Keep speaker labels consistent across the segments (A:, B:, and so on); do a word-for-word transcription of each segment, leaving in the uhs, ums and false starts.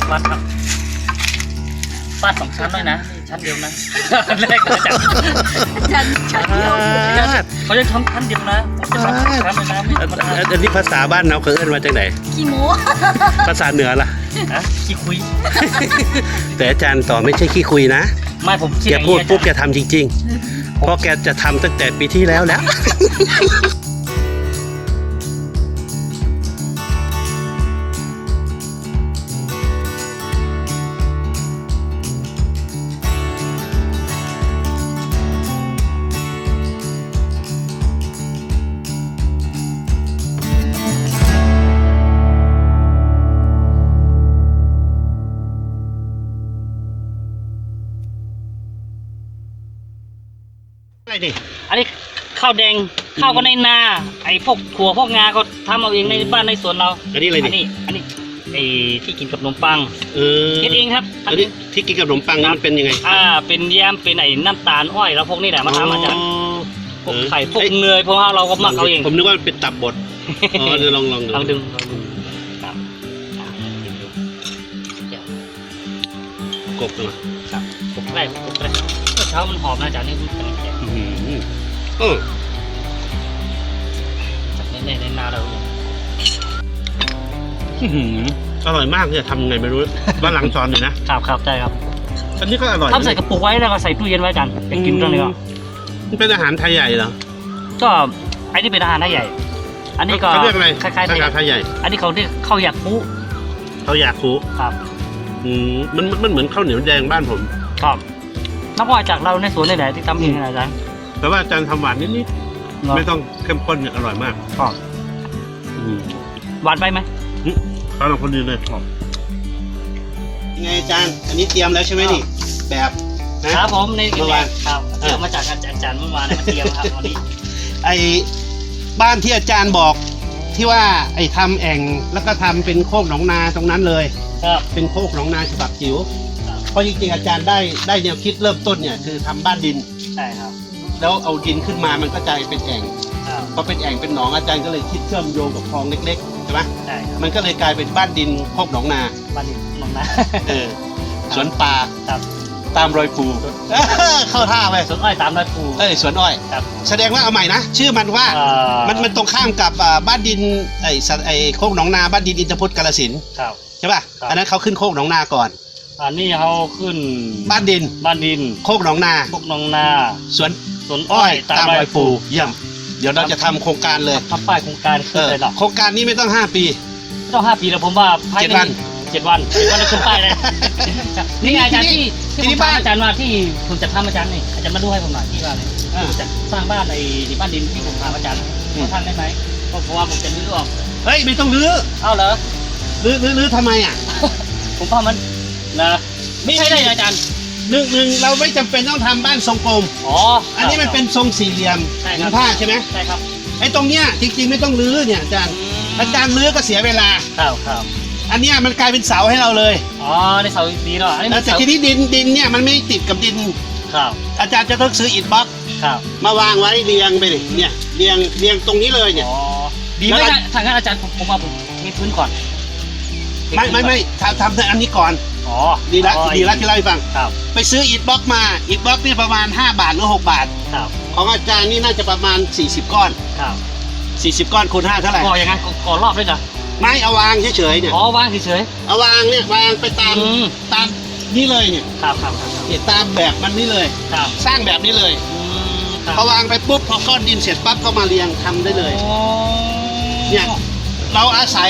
A: วัดครับฟาดสองชั้นด้วยนะชั้นเดียวนะแรกอาจารย์ชั้นชั้นเดียวเขาจะทำชั้นเดียวนะผมจะทำชั้นเลยนะไม่ธรรมดา
B: อันนี้ภาษาบ้านเราเขาเอิ้นมาจากไหน
C: ขี้โม้
B: ภาษาเหนือล่ะ
A: ฮะขี้คุย
B: แต่อาจารย์ต่อไม่ใช่ขี้คุยนะ
A: ไม่ผมคิด
B: แกพูดปุ๊บแกทำจริงๆเพราะแกจะทำตั้งแต่ปีที่แล้วแล้วอะไรดิ
A: อันนี้ข้าวแดงข้าวก็ในนาไอ้พวกถั่วพวกงาก็ทำเอาเองในบ้านในสวนเรา
B: อันนี้อะไรดิ
A: อันนี้อันนี้ไอ้ที่กินกับขนมปัง
B: เออ
A: คิดเองครับ
B: อันนี้ที่กินกับขนมปังนี่มันเป็นยังไง
A: อ่าเป็นแยมเป็นไอ้น้ำตาลอ้อยแล้วพวกนี้แหละมาทำอาจารย์พวกไข่พวกเนยเพราะว่าเราก็หมักเอาเอง
B: ผมนึกว่าเป็นตับบดอ๋อเดี๋ยวลองลองดู
A: ลองดึงลองดึงครับ
B: กบตัว
A: ครับกบแรกกบแรกเช้ามันหอมนะอาจารย์นี่มันแก่
B: เออ
A: จากในในนาเรา
B: อร่อยมากเนี่ยทำไงไม่รู้บ้านหลังซอนอยู่นะครับ
A: ครับใช่ครับ
B: อันนี้ก็อร่อย
A: ทำใส่กระปุกไว้แล้วก็ใส่ตู้เย็นไว้กันไปกินตอนนี้ก็
B: มันเป็นอาหารไทยใหญ่เหรอ
A: ก็ไอ้นี่เป็นอาหารไทยใหญ่อันนี้ก็
B: เขาเรียกอะไร
A: คล้ายๆไทย
B: ใหญ่
A: อันนี้เขาเรียกข้าวหยาดปู
B: ข้าวหยาดปู
A: ครับ
B: อืมมันมันเหมือนข้าวเหนียวแดงบ้านผม
A: ครับน้ำอ้อยจากเราในสวนนี่แหละที่ทำเองนะอาจารย์
B: แต่ว่าอาจารย์ทำหวานนิดๆไม่ต้องเข้มข้นเนี่ยอร่อยมาก
A: ครับหวานไปไหม
B: ตอนเราคนดีเลยไงอาจารย์อันนี้เตรียมแล้วใช่ไหมนี่แบบ
A: ครับผมในเมื่อวานครับเตรียมมาจากอาจารย์เมื่อวานมาเตรียมครับวันนี้
B: ไอ้บ้านที่อาจารย์บอกที่ว่าไอ้ทำแอ่งแล้วก็ทำเป็นโคกหนองนาตรงนั้นเลย
A: ครับ
B: เป็นโคกหนองนาฉบับจิ๋วเพราะจริงๆอาจารย์ได้ได้แนวคิดเริ่มต้นเนี่ยคือทำบ้านดิน
A: ใช่ครับ
B: แล้วเอาดินขึ้นมามันก็จะเป็นแอ่งพอเป็นแอ่งเป็นหนองอาจารย์ก็เลยคิดเชื่อมโยงกับคลองเล็กๆใช่ไหม
A: ใช่ครับ
B: มันก็เลยกลายเป็นบ้านดินโคกหนองนา
A: บ้านดินหนองนา
B: เออสวนป่า
A: ครับ
B: ตามรอยปูเข้าท่าไป
A: สวนอ้อยตามรอยปู
B: เอ้ยสวนอ้อย
A: ครับ
B: แสดงว่าเอาใหม่นะชื่อมันว่ามันมันตรงข้ามกับบ้านดินไอ้ไอ้โคกหนองนาบ้านดินอินทรพุทธกาฬสินธุ์ใช่ป่ะอันนั้นเขาขึ้นโคกหนองนาก่อน
A: อันนี้เขาขึ้น
B: บ้านดิน
A: บ้านดิน
B: โคกหนองนา
A: โคกหนองนา
B: สวน
A: สวนอ้อย
B: ตามรอยปูเยี่ยมเดี๋ยวเราจะทำโครงการเลย
A: ทำป้ายโครงการขึ้นเลยหรอ
B: โครงการนี้ไม่ต้องห้าปี
A: ไม่ต้องห้าปีแล้วผมว่า
B: เจ็ดวัน
A: เจ็ดวันเจ็ดวันจะขึ้นป้ายเลยนี่ไงอาจารย์ที่ที่บ้านอาจารย์ว่าที่ผมจะทำอาจารย์นี่อาจารย์มาดูให้ผมหน่อยที่ว่าเนี่ยจะสร้างบ้านในบ้านดินที่ผมพาอาจารย์เขาทำได้ไหมเพราะว่าผมจะรื้อออก
B: เฮ้ยไม่ต้องรื้อ
A: เอ้าเหรอ
B: รื้อรื้อรื้อทำไมอ่ะ
A: ผมว่ามันนะไม่ใช่ได้อาจารย์
B: หนึ่งหนึ่งเราไม่จำเป็นต้องทำบ้านทรงกลม
A: อ๋อ
B: อันนี้มันเป็นทรงสี่เหลี่ยมผืนผ้าใช่ไหม
A: ใช่ครับ
B: ไอ้ตรงเนี้ยจริงๆไม่ต้องรื้อเนี่ยอาจารย์อาจารย์รื้อก็เสียเวลา
A: ครับครับ
B: อันเนี้ยมันกลายเป็นเสาให้เราเลย
A: อ๋อในเสาดีเนาะ
B: แต่ทีนี้ดินดินเนี่ยมันไม่ติดกับดิน
A: ครับ
B: อาจารย์จะต้องซื้ออิฐบล็อก
A: ครับ
B: มาวางไว้เรียงไปเลยเนี่ยเรียงเรียงตรงนี้เลยเนี่ย
A: อ๋อดีไหมทางนั้นอาจารย์ผมมาผมเทพื้นก่อน
B: ไม่ไม่ไม่ทำทำอันนี้ก่อน
A: อ๋อ
B: ดีละดีละที่เล่าให้ฟัง
A: ครับ
B: ไปซื้ออิฐบล็อกมาอิฐบล็อกนี่ประมาณห้าบาทหรือหกบาท
A: ครับ
B: ของอาจารย์นี่น่าจะประมาณสี่สิบก้อน
A: ครับ
B: สี่สิบก้อนคูณห้าเท่าไหร่
A: ก่อยังไงก่อรอบด้วยจ้ะ
B: ไม่เอาวางเฉยๆเนี่ย
A: อ๋อวางเฉย
B: ๆเอาวางเนี่ยวางไปตามตามนี่เลยเนี่ย
A: ครับครับ
B: เนี่ยตามแบบมันนี่เลย
A: ครับ
B: สร้างแบบนี้เลยพอวางไปปุ๊บพอก้อนดินเสร็จปั๊บเข้ามาเรียงทำได้เลยเนี่ยเราอาศัย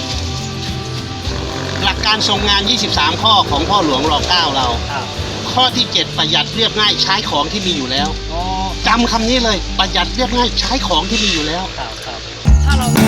B: หลักการทรงงานยี่สิบสามข้อของพ่อหลวงรอเก้าเราข้อที่เจ็ดประหยัดเรียบง่ายใช้ของที่มีอยู่แล้วจำคำนี้เลยประหยัดเรียบง่ายใช้ของที่มีอยู่แล้ว
A: ถ้าเรา